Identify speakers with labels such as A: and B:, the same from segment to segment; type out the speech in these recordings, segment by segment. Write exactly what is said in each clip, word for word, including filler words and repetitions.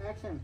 A: Action.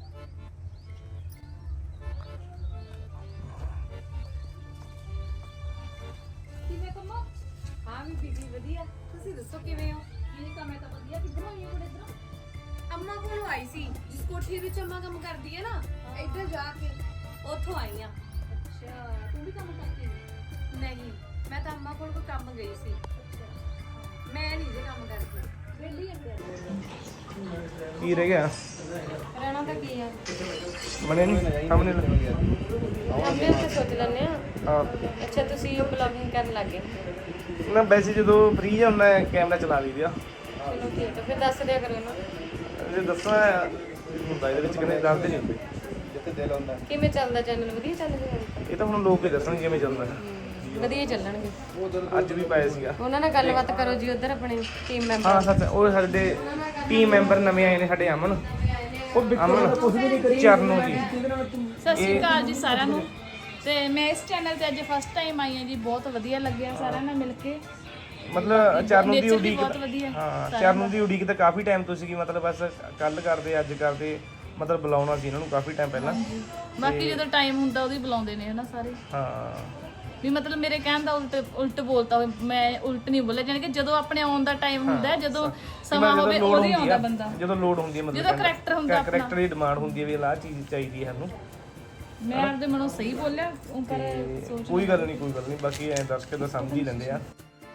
B: ਕਿਵੇਂ ਕੰਮੋ? ਹਾਂ ਵੀ ਬੀਬੀ ਵਧੀਆ। ਤੁਸੀਂ ਦੱਸੋ ਕਿਵੇਂ ਹੋ? ਕੀ ਕੰਮ ਹੈ ਤਾਂ ਵਧੀਆ। ਕਿੱਧਰ ਆਈ ਹੋ ਇਧਰੋਂ?
C: ਅੰਮਾ ਕੋਲ ਆਈ ਸੀ, ਜਿਸ ਕੋਠੀ ਵਿੱਚ ਅੰਮਾ ਕੰਮ ਕਰਦੀ ਹੈ ਨਾ, ਇੱਧਰ ਜਾ ਕੇ ਉੱਥੋਂ ਆਈ ਆ।
B: ਅੱਛਾ, ਤੂੰ ਵੀ ਕੰਮ ਕਰਦੀ ਹੈ?
C: ਨਹੀਂ, ਮੈਂ ਤਾਂ ਅੰਮਾ ਕੋਲ ਕੋਈ ਕੰਮ ਗਈ ਸੀ। ਮੈਂ ਨਹੀਂ ਜੇ ਕੰਮ ਕਰਦੀ।
B: ਵੇਲੀ ਅੰਦਰ
D: ਕੀ ਰਹਿ ਗਿਆ
C: ਰਹਿਣਾ ਤਾਂ ਕੀ ਆ,
D: ਬਣੇ ਨਹੀਂ ਸਾਹਮਣੇ ਲੱਗੇ
C: ਅੰਮੇ ਤੇ ਸੋਚ ਲੈਂਦੇ ਆ।
D: ਹਾਂ
C: ਅੱਛਾ, ਤੁਸੀਂ ਬਲੌਗਿੰਗ ਕਰਨ ਲੱਗੇ?
D: ਨਾ ਵੈਸੇ ਜਦੋਂ ਫ੍ਰੀ ਹੁੰਦਾ ਕੈਮਰਾ ਚਲਾ ਲਈਦਾ।
C: ਚਲੋ ਠੀਕ ਹੈ, ਫਿਰ ਦੱਸ ਦਿਆ ਕਰੋ ਨਾ।
D: ਜੇ ਦੱਸਣਾ ਹੁੰਦਾ ਇਹਦੇ ਵਿੱਚ ਕਿੰਨੇ ਦੱਸਦੇ ਨਹੀਂ ਹੁੰਦੇ ਜਿੱਥੇ ਦਿਲ ਹੁੰਦਾ।
C: ਕਿਵੇਂ ਚੱਲਦਾ ਚੈਨਲ? ਵਧੀਆ ਚੱਲ ਰਿਹਾ?
D: ਇਹ ਤਾਂ ਹੁਣ ਲੋਕ ਹੀ ਦੱਸਣਗੇ ਕਿਵੇਂ ਚੱਲਦਾ।
C: ਵਧੀਆ ਚੱਲਣਗੇ।
D: ਅੱਜ ਵੀ ਪਾਇਆ ਸੀਗਾ।
C: ਉਹਨਾਂ ਨਾਲ ਗੱਲਬਾਤ ਕਰੋ ਜੀ, ਉਧਰ ਆਪਣੇ ਟੀਮ ਮੈਂਬਰ।
D: ਹਾਂ ਸੱਚ, ਉਹ ਸਾਡੇ ਟੀਮ ਮੈਂਬਰ ਨਵੇਂ ਆਏ ਨੇ ਸਾਡੇ, ਅਮਨ ਅਮਨ ਚਰਨੋ ਜੀ।
B: ਸਤਿ ਸ਼੍ਰੀ ਅਕਾਲ ਜੀ ਸਾਰਿਆਂ ਨੂੰ। ਤੇ ਮੈਂ ਇਸ ਚੈਨਲ ਤੇ ਅੱਜ ਫਸਟ ਟਾਈਮ ਆਈ ਹਾਂ ਜੀ। ਬਹੁਤ ਵਧੀਆ ਲੱਗਿਆ ਸਾਰਿਆਂ ਨਾਲ ਮਿਲ ਕੇ।
D: ਮਤਲਬ ਚਰਨੋ ਦੀ
B: Nature ਵੀ
D: ਉਡੀਕ
B: ਬਹੁਤ ਵਧੀਆ
D: ਹਾਂ ਚਰਨੋ ਦੀ ਉਡੀਕ ਤਾਂ ਕਾਫੀ ਟਾਈਮ ਤੋਂ ਸੀਗੀ। ਮਤਲਬ ਬਸ ਕੱਲ ਕਰਦੇ ਅੱਜ ਕਰਦੇ ਮਤਲਬ ਬੁਲਾਉਣਾ ਸੀ ਇਹਨਾਂ ਨੂੰ ਕਾਫੀ ਟਾਈਮ ਪਹਿਲਾਂ।
B: ਬਾਕੀ ਜਦੋਂ ਟਾਈਮ ਹੁੰਦਾ ਉਹਦੀ ਬੁਲਾਉਂਦੇ ਨੇ ਹਨਾ ਸਾਰੇ।
D: ਹਾਂ
B: ਵੀ ਮਤਲਬ ਮੇਰੇ ਕਹਿਣ ਦਾ ਉਲਟ ਉਲਟ ਬੋਲਤਾ ਹੋਵੇ, ਮੈਂ ਉਲਟ ਨਹੀਂ ਬੋਲਿਆ। ਜਾਨੀ ਕਿ ਜਦੋਂ ਆਪਣੇ ਆਉਣ ਦਾ ਟਾਈਮ ਹੁੰਦਾ, ਜਦੋਂ ਸਮਾਂ ਹੋਵੇ ਉਹਦੀ ਆਉਂਦਾ ਬੰਦਾ।
D: ਜਦੋਂ ਲੋੜ ਹੁੰਦੀ ਹੈ ਮਤਲਬ
B: ਜਦੋਂ ਕਰੈਕਟਰ ਹੁੰਦਾ ਆਪਣਾ,
D: ਕਰੈਕਟਰ ਦੀ ਡਿਮਾਂਡ ਹੁੰਦੀ ਹੈ ਵੀ ਆਹ ਚੀਜ਼ ਚਾਹੀਦੀ ਹੈ ਸਾਨੂੰ।
B: ਮੈਂ ਆਪਦੇ ਮਨੋਂ ਸਹੀ ਬੋਲਿਆ ਉਹ ਪਰ ਸੋਚ
D: ਕੋਈ ਗੱਲ ਨਹੀਂ ਕੋਈ ਗੱਲ ਨਹੀਂ ਬਾਕੀ ਐਂ ਦੱਸ ਕੇ ਤਾਂ ਸਮਝ ਹੀ ਲੈਂਦੇ ਆ।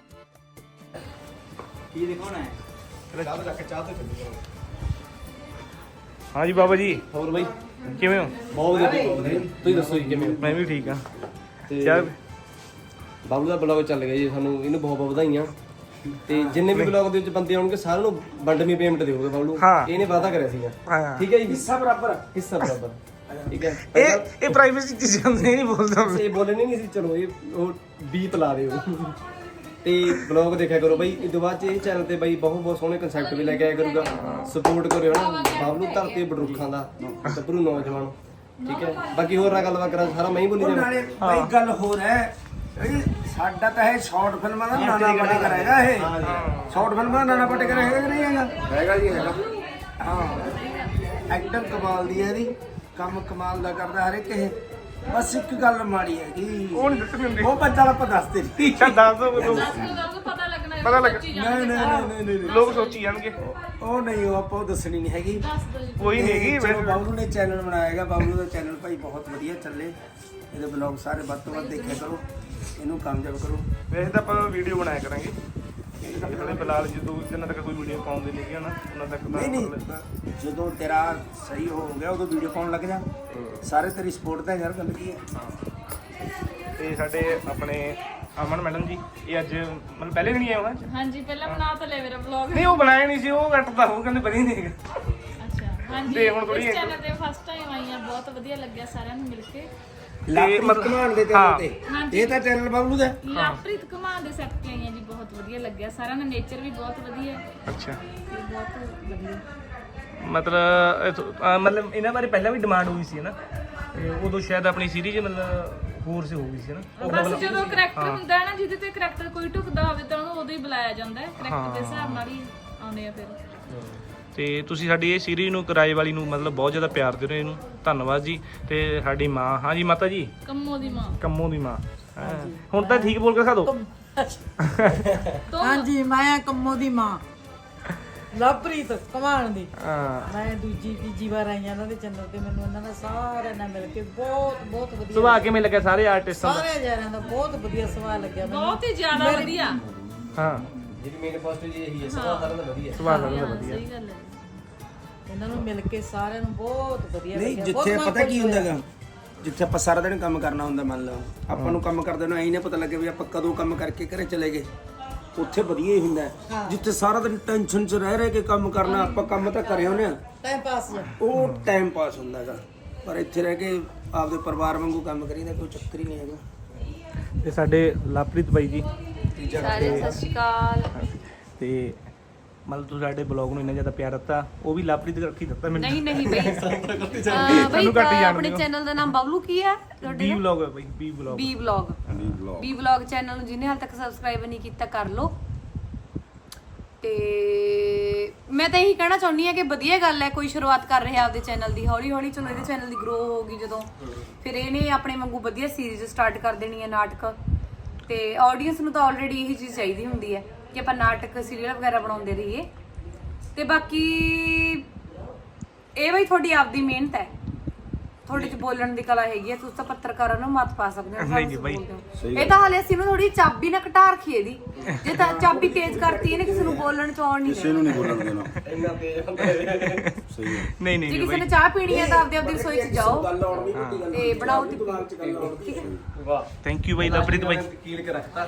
A: ਕੀ ਦਿਖਾਉਣਾ ਹੈ? ਚਾਹ ਤੋਂ ਚੱਕ ਕੇ ਚਾਹ ਤੋਂ ਚੱਲੂਗਾ।
D: ਹਾਂਜੀ ਬਾਬਾ ਜੀ,
E: ਹੋਰ ਬਾਈ
D: ਕਿਵੇਂ ਹੋ?
E: ਬਹੁਤ ਵਧੀਆ। ਤੁਸੀਂ ਦੱਸੋ ਜੀ ਕਿਵੇਂ ਹੋ?
D: ਮੈਂ ਵੀ ਠੀਕ ਆ।
E: ਤੇ
D: ਚਾਹ
E: ਬਾਬੂ ਦਾ ਬਲੌਗ ਚੱਲ ਗਿਆ ਜੀ, ਸਾਨੂੰ ਇਹਨੂੰ ਬਹੁਤ ਬਹੁਤ ਵਧਾਈਆਂ। ਤੇ ਜਿੰਨੇ ਵੀ ਬਲੌਗ ਦੇ ਵਿੱਚ ਬੰਦੇ ਆਉਣਗੇ ਸਾਰਿਆਂ ਨੂੰ ਵੰਡਵੀਂ ਪੇਮੈਂਟ ਦੇਊਗਾ ਬਾਬੂ।
D: ਹਾਂ।
E: ਇਹਨੇ ਵਾਅਦਾ ਕਰਿਆ ਸੀਗਾ।
D: ਹਾਂ
E: ਠੀਕ ਹੈ ਜੀ,
A: ਹਿੱਸਾ ਬਰਾਬਰ।
E: ਹਿੱਸਾ ਬਰਾਬਰ। ਠੀਕ ਹੈ।
D: ਇਹ ਇਹ ਪ੍ਰਾਈਵੇਸੀ ਚੀਜ਼ ਹੁੰਦੀ ਨਹੀਂ ਬੋਲਦਾ।
E: ਇਹ ਬੋਲਣੇ ਨਹੀਂ ਸੀ, ਚਲੋ ਇਹ ਉਹ ਬੀਪ ਲਾ ਦਿਓ। ਤੇ ਬਲੌਗ ਦੇਖਿਆ ਕਰੋ ਬਾਈ। ਇਹ ਤੋਂ ਬਾਅਦ ਚ ਇਹ ਚੈਨਲ ਤੇ ਬਾਈ ਬਹੁਤ ਬਹੁਤ ਸੋਹਣੇ ਕਨਸੈਪਟ ਵੀ ਲੈ ਕੇ ਆਇਆ ਕਰੂਗਾ। ਸਪੋਰਟ ਕਰਿਓ ਨਾ ਬਾਬਲੂ ਧਰਤੀ ਬੜਰੁੱਖਾਂ ਦਾ ਗੱਭਰੂ ਨੌਜਵਾਨ। ਠੀਕ ਹੈ, ਬਾਕੀ ਹੋਰ ਨਾ ਗੱਲਬਾਤ ਕਰਾਂ, ਸਾਰਾ ਮੈਂ ਹੀ ਬੋਲੀ ਜਾਣਾ।
A: ਨਾਲੇ ਬਈ ਗੱਲ ਹੋਰ ਹੈ, ਇਹ ਸਾਡਾ ਤਾਂ ਇਹ ਸ਼ਾਰਟ ਫਿਲਮਾਂ ਦਾ ਨਾਨਾ ਪਟੇਕਰ ਹੈਗਾ। ਇਹ ਸ਼ਾਰਟ ਫਿਲਮਾਂ ਦਾ ਨਾਨਾ ਪਟੇਕਰ ਹੈਗਾ ਕਿ ਨਹੀਂ ਹੈਗਾ? ਹੈਗਾ ਜੀ ਹੈਗਾ। ਹਾਂ, ਐਕਟਰ ਕਮਾਲ ਦੀ ਹੈ ਇਹਦੀ, ਕੰਮ ਕਮਾਲ ਦਾ ਕਰਦਾ ਹਰ ਇੱਕ। ਇਹ ਬਸ ਇੱਕ ਗੱਲ ਮਾੜੀ ਹੈ ਕਿ
D: ਉਹ ਨਹੀਂ ਦੱਸਣ ਦਿੰਦੇ।
A: ਉਹ ਬੱਚਾ ਆਪਾਂ ਦੱਸਦੇ ਨਹੀਂ।
D: ਚੱਲ ਦੱਸ ਦੋ ਲੋਕ
B: ਪਤਾ ਲੱਗਣਾ
D: ਪਤਾ ਲੱਗ
A: ਨਹੀਂ ਨਹੀਂ ਨਹੀਂ ਨਹੀਂ
D: ਲੋਕ ਸੋਚੀ ਜਾਣਗੇ।
A: ਉਹ ਨਹੀਂ, ਉਹ ਆਪਾਂ ਉਹ ਦੱਸਣੀ ਨਹੀਂ ਹੈਗੀ।
D: ਕੋਈ ਨਹੀਂ ਹੈਗੀ
A: ਚਲੋ, ਬਾਬਲੂ ਨੇ ਚੈਨਲ ਬਣਾਇਆ ਹੈਗਾ। ਬਾਬਲੂ ਦਾ ਚੈਨਲ ਭਾਈ ਬਹੁਤ ਵਧੀਆ ਚੱਲੇ। ਇਹਦੇ ਬਲੌਗ ਸਾਰੇ ਵੱਧ ਤੋਂ ਵੱਧ ਦੇਖਿਆ ਕਰੋ, ਇਹਨੂੰ ਕਾਮਯਾਬ ਕਰੋ।
D: ਵੈਸੇ ਤਾਂ ਆਪਾਂ ਵੀਡੀਓ ਬਣਾਇਆ ਕਰਾਂਗੇ। ਜਿਹੜੇ ਫਿਲਹਾਲ ਜਦੋਂ ਜਿੰਨਾ ਤੱਕ ਕੋਈ ਵੀਡੀਓ ਪਾਉਂਦੇ ਨਹੀਂ ਗਿਆ ਨਾ ਉਹਨਾਂ ਤੱਕ ਤਾਂ
A: ਨਹੀਂ ਨਹੀਂ, ਜਦੋਂ ਤੇਰਾ ਸਹੀ ਹੋ ਗਿਆ ਉਦੋਂ ਵੀਡੀਓ ਪਾਉਣ ਲੱਗ ਜਾ। ਸਾਰੇ ਤੇਰੀ ਸਪੋਰਟ ਤਾਂ ਯਾਰ ਗੱਲ ਕੀ ਹੈ।
D: ਤੇ ਸਾਡੇ ਆਪਣੇ ਅਮਨ ਮੈਡਮ ਜੀ, ਇਹ ਅੱਜ ਮਤਲਬ ਪਹਿਲੇ ਦਿਨ ਹੀ ਆਏ ਹੋਣਾ।
B: ਹਾਂਜੀ, ਪਹਿਲਾਂ ਬਣਾ ਤਾਂ ਲੈ ਮੇਰਾ ਵਲੌਗ।
D: ਨਹੀਂ ਉਹ ਬਣਾਇਆ ਨਹੀਂ ਸੀ, ਉਹ ਕੱਟਦਾ ਉਹ ਕਹਿੰਦੇ ਵਧੀਆ ਨਹੀਂ ਹੈਗਾ।
B: ਅੱਛਾ, ਹਾਂਜੀ
D: ਤੇ ਹੁਣ ਥੋੜ੍ਹੀ
B: ਇਸ ਚੈਨਲ ਤੇ ਫਸਟ ਟਾਈਮ ਆਈ ਹਾਂ। ਬਹੁਤ ਵਧੀਆ ਲੱਗਿਆ ਸਾਰਿਆਂ ਨੂੰ ਮਿਲ ਕੇ।
A: ਲਾਪਰੀ ਕਮਾਨ ਦੇ ਚੈਨਲ ਤੇ
B: ਹਾਂਜੀ।
A: ਇਹ ਤਾਂ ਚੈਨਲ ਬਾਬਲੂ ਦਾ।
B: ਲਾਪ੍ਰੀਤ ਘੁਮਾਣ ਦੇ ਸੈੱਟ ਤੇ ਆਈ ਹਾਂ ਜੀ। ਬਹੁਤ ਵਧੀਆ ਲੱਗਿਆ ਸਾਰਿਆਂ ਦਾ। ਨੇਚਰ ਵੀ ਬਹੁਤ ਵਧੀਆ,
D: ਅੱਛਾ,
B: ਤੇ ਬਹੁਤ ਵਧੀਆ।
D: ਮਤਲਬ ਇਹ ਤੋਂ- ਅਹ ਮਤਲਬ ਇਹਨਾਂ ਬਾਰੇ ਪਹਿਲਾਂ ਵੀ ਡਿਮਾਂਡ ਹੋਈ ਸੀ ਨਾ, ਤੇ ਉਦੋਂ ਸ਼ਾਇਦ ਆਪਣੀ ਸੀਰੀਜ਼ ਮਤਲਬ ਹੋਰ ਸੇ ਹੋ ਗਈ ਸੀ ਨਾ।
B: ਬਸ ਜਦੋਂ ਕਰੈਕਟਰ ਹੁੰਦਾ ਹੈ ਨਾ, ਜਿਹਦੇ ਤੇ ਕਰੈਕਟਰ ਕੋਈ ਢੁਕਦਾ ਹੋਵੇ ਤਾਂ ਉਹਨੂੰ ਉਦੋਂ ਹੀ ਬੁਲਾਇਆ ਜਾਂਦਾ ਹੈ। ਕਰੈਕਟਰ ਦੇ ਹਿਸਾਬ ਨਾਲ ਹੀ ਆਉਂਦੇ ਆ ਫਿਰ।
D: ਤੇ ਤੁਸੀਂ ਸਾਡੀ ਇਹ ਸੀਰੀਜ਼ ਨੂੰ ਕਿਰਾਏ ਵਾਲੀ ਨੂੰ ਮਤਲਬ ਬਹੁਤ ਜ਼ਿਆਦਾ ਪਿਆਰ ਦੇ ਰਹੇ ਇਹਨੂੰ, ਧੰਨਵਾਦ ਜੀ। ਤੇ ਸਾਡੀ ਮਾਂ, ਹਾਂਜੀ ਮਾਤਾ ਜੀ,
B: ਕੰਮੋ ਦੀ ਮਾਂ।
D: ਕੰਮੋ ਦੀ ਮਾਂ। ਹੈਂ। ਹੁਣ ਤਾਂ ਠੀਕ ਬੋਲ ਕੇ ਖਾ ਦੋ।
F: ਹਾਂਜੀ, ਮੈਂ ਕੰਮੋ ਦੀ ਮਾਂ ਲਵਪ੍ਰੀਤ ਕਮਾਣ ਦੀ।
D: ਹਾਂ,
F: ਮੈਂ ਦੂਜੀ ਤੀਜੀ ਵਾਰ ਆਈ ਹਾਂ ਇਹਨਾਂ ਦੇ ਚੈਨਲ ਤੇ। ਮੈਨੂੰ ਇਹਨਾਂ ਦਾ ਸਾਰਿਆਂ ਨਾਲ ਮਿਲ ਕੇ ਬਹੁਤ ਬਹੁਤ ਵਧੀਆ
D: ਸੁਭਾਅ ਕਿਵੇਂ ਲੱਗਿਆ ਸਾਰੇ ਆਰਟਿਸਟਾਂ ਦਾ?
F: ਸਾਰੇ ਜਣਿਆਂ ਦਾ ਬਹੁਤ ਵਧੀਆ ਸੁਭਾਅ ਲੱਗਿਆ ਮੈਨੂੰ।
B: ਬਹੁਤ ਹੀ ਜ਼ਿਆਦਾ ਵਧੀਆ।
D: ਹਾਂ,
E: ਜਿਹੜੀ ਮੇਨ ਪੋਸਟ ਜੀ ਇਹੀ ਹੈ, ਸਭ ਸਾਰਿਆਂ ਦਾ ਵਧੀਆ।
D: ਸੁਭਾਅ ਲੱਗਦਾ ਵਧੀਆ।
B: ਸਹੀ ਗੱਲ ਹੈ।
F: ਇਹਨਾਂ ਨੂੰ ਮਿਲ ਕੇ ਸਾਰਿਆਂ ਨੂੰ ਬਹੁਤ ਵਧੀਆ
A: ਨਹੀਂ,
F: ਲੱਗਿਆ। ਬਹੁਤ
A: ਜਿੱਥੇ
F: ਮਨ
A: ਪਤਾ ਕੀ
F: ਖੁਸ਼
A: ਹੁੰਦਾ
F: ਹੋਇਆ।
A: ਹੈਗਾ, ਜਿੱਥੇ ਆਪਾਂ ਸਾਰਾ ਦਿਨ ਕੰਮ ਕਰਨਾ ਹੁੰਦਾ, ਮੰਨ ਲਓ ਆਪਾਂ ਨੂੰ ਕੰਮ ਕਰਦੇ ਨੂੰ ਐਂ ਨਹੀਂ ਪਤਾ ਲੱਗੇ ਵੀ ਆਪਾਂ ਕਦੋਂ ਕੰਮ ਕਰਕੇ ਘਰੇ ਚਲੇ ਗਏ। ਉੱਥੇ ਵਧੀਆ ਹੀ ਹੁੰਦਾ ਹੈ। ਜਿੱਥੇ ਸਾਰਾ ਦਿਨ ਟੈਨਸ਼ਨ 'ਚ ਰਹਿ ਰਹਿ ਕੇ ਕੰਮ ਕਰਨਾ, ਆਪਾਂ ਕੰਮ ਤਾਂ ਕਰੇ ਹੁੰਦੇ ਆ,
F: ਟਾਈਮ ਪਾਸ ਜਾ।
A: ਉਹ ਟਾਈਮ ਪਾਸ ਹੁੰਦਾ ਹੈਗਾ। ਪਰ ਇੱਥੇ ਰਹਿ ਕੇ ਆਪਦੇ ਪਰਿਵਾਰ ਵਾਂਗੂ ਕੰਮ ਕਰੀਦਾ, ਕੋਈ ਚੱਕਰ ਹੀ ਨਹੀਂ ਹੈਗਾ।
D: ਤੇ ਸਾਡੇ ਲਵਪ੍ਰੀਤ ਬਾਈ ਜੀ,
C: ਸਾਰੇ ਸਤਿ ਸ਼੍ਰੀ ਅਕਾਲ।
D: ਤੇ ਮਤਲਬ ਤੁਸੀਂ ਸਾਡੇ ਬਲੌਗ ਨੂੰ ਇੰਨਾ ਜ਼ਿਆਦਾ ਪਿਆਰ ਦਿੱਤਾ, ਉਹ ਵੀ ਲਵਪ੍ਰੀਤ ਕਰਕੇ ਦਿੱਤਾ ਮੈਨੂੰ।
C: ਨਹੀਂ ਨਹੀਂ ਬਈ, ਅਹ
D: ਸਾਨੂੰ ਘੱਟ ਹੀ
C: ਬਈ
D: ਜਾਣਦੇ
C: ਆਪਣੇ
D: ਹੋ।
C: ਚੈਨਲ ਦਾ ਨਾਮ ਬਬਲੂ ਕੀ ਹੈ ਤੁਹਾਡੇ
D: ਬੀ
C: ਦਾ?
D: ਵਲੌਗ ਹੈ ਬਾਈ, B vlog.
C: B vlog. B vlog channel ਨੂੰ ਜਿਹਨੇ ਹਾਲ ਤੱਕ ਸਬਸਕ੍ਰਾਈਬ ਨਹੀਂ ਕੀਤਾ ਕਰ ਲਓ। ਤੇ ਮੈਂ ਤਾਂ ਇਹੀ ਕਹਿਣਾ ਚਾਹੁੰਦੀ ਆ ਕਿ ਵਧੀਆ ਗੱਲ ਹੈ ਕੋਈ ਸ਼ੁਰੂਆਤ ਕਰ ਰਿਹਾ ਆਪਦੇ ਚੈਨਲ ਦੀ, ਹੌਲੀ ਹੌਲੀ ਚਲੋ ਇਹਦੇ ਚੈਨਲ ਦੀ ਗਰੋ ਹੋਊਗੀ ਜਦੋਂ, ਫਿਰ ਇਹਨੇ ਆਪਣੇ ਵਾਂਗੂ ਵਧੀਆ ਸੀਰੀਜ਼ ਸਟਾਰਟ ਕਰ ਦੇਣੀ ਹੈ ਨਾਟਕ। ਤੇ ਆਡੀਅנס ਨੂੰ ਤਾਂ ਆਲਰੇਡੀ ਇਹੀ ਚੀਜ਼ ਚਾਹੀਦੀ ਹੁੰਦੀ ਹੈ ਕਿ ਆਪਾਂ ਨਾਟਕ ਸੀਰੀਅਲ ਵਗੈਰਾ ਬਣਾਉਂਦੇ ਰਹੀਏ। ਤੇ ਬਾਕੀ ਇਹ ਬਈ ਤੁਹਾਡੀ ਆਪਦੀ ਮਿਹਨਤ ਹੈ, ਤੁਹਾਡੇ ਚ ਬੋਲਣ ਦੀ ਕਲਾ ਹੈਗੀ ਹੈ, ਤੁਸੀਂ ਤਾਂ ਪੱਤਰਕਾਰਾਂ ਨੂੰ ਮੱਤ ਪਾ ਸਕਦੇ ਹੋ।
D: ਨਹੀਂ ਜੀ ਬਾਈ,
C: ਇਹ ਤਾਂ ਹਾਲੇ ਅਸੀਂ ਨੂੰ ਥੋੜੀ ਚਾਬੀ ਨਾ ਘਟਾ ਰੱਖੀ ਇਹਦੀ, ਜੇ ਤਾਂ ਚਾਬੀ ਤੇਜ਼ ਕਰਤੀ ਇਹਨੇ ਕਿਸੇ ਨੂੰ ਬੋਲਣ ਚ ਆਉਣ ਨਹੀਂ
G: ਕਿਸੇ ਨੂੰ ਨਹੀਂ ਬੋਲਣ ਦੇਣਾ
E: ਇੰਨਾ ਤੇਜ਼ ਹੁੰਦਾ ਹੈ।
G: ਸਹੀ ਹੈ
D: ਨਹੀਂ ਨਹੀਂ
C: ਜੇ
D: ਨਹੀਂ
C: ਕਿਸੇ ਨੇ
D: ਬਾਈ,
C: ਚਾਹ ਪੀਣੀ ਹੈ ਤਾਂ ਆਪਦੇ ਆਪਦੀ ਰਸੋਈ ਚ ਜਾਓ
E: ਗੱਲ ਆਉਣ ਦੀ ਵੱਡੀ ਗੱਲ
C: ਤੇ ਬਣਾਓ ਤੇ
E: ਦਿਮਾਗ 'ਚ ਗੱਲ ਆਉਣ
C: ਠੀਕ ਹੈ।
E: ਵਾਹ
D: ਥੈਂਕ ਯੂ ਬਾਈ ਲਵਪ੍ਰੀਤ ਬਾਈ।
E: ਕੀਲ ਕੇ ਰੱਖਤਾ